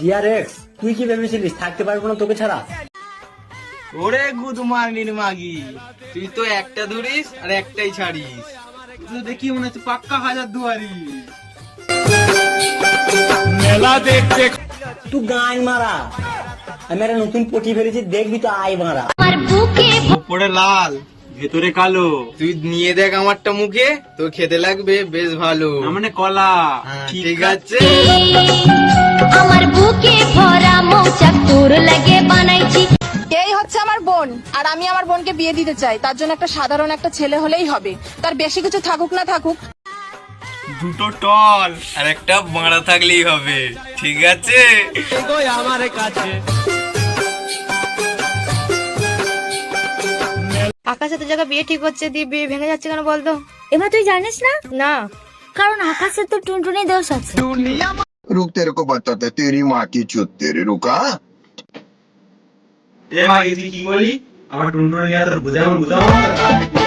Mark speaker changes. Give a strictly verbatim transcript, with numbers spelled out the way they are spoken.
Speaker 1: জিআরএক্স তুই কি ভেবেছিলিস থাকতে পারবো না তোকে ছাড়া?
Speaker 2: ওরে গুদমার্নির মাগি, তুই তো একটা ধরিস আর একটাই ছাড়িস। তুই দেখি মনে হচ্ছে পাক্কা হাজার দুয়ারি।
Speaker 3: মেলা দেখতে
Speaker 1: তুই গান মারা, আমি একটা নতুন পটি ফেলেছি, দেখবি তো আয় মারা।
Speaker 2: উপরে লাল ভেতরে কালো, তুই নিয়ে দেখ আমারটা মুখে, তোর খেতে লাগবে বেশ ভালো। মানে কলা। ঠিক আছে,
Speaker 4: আমার বুকে ভরা মৌচাক তোর লাগে বানাইছি।
Speaker 5: এই হচ্ছে আমার বোন, আর আমি আমার বোনকে বিয়ে দিতে চাই। তার জন্য একটা সাধারণ একটা ছেলে হলেই হবে, তার বেশি কিছু থাকুক না থাকুক।
Speaker 2: দুটো টল আর একটা বাঁড়া থাকলেই হবে। ঠিক আছে,
Speaker 3: আমার কাছে
Speaker 6: আকাশের তো জায়গা বিয়ে ঠিক হচ্ছে, দিয়ে বিয়ে ভেঙে যাচ্ছে কেন বলতো?
Speaker 4: এবার তুই জানিস না?
Speaker 6: না।
Speaker 4: কারণ আকাশের তো টুনটুনি দোষ আছে।
Speaker 7: रुक तेरे को बताते तेरी माँ की चुत तेरे रुका।
Speaker 2: এ মাগি তুই কি বলি? আমার টুনটুনি নিয়ে তোর বুঝাবো বুঝাবো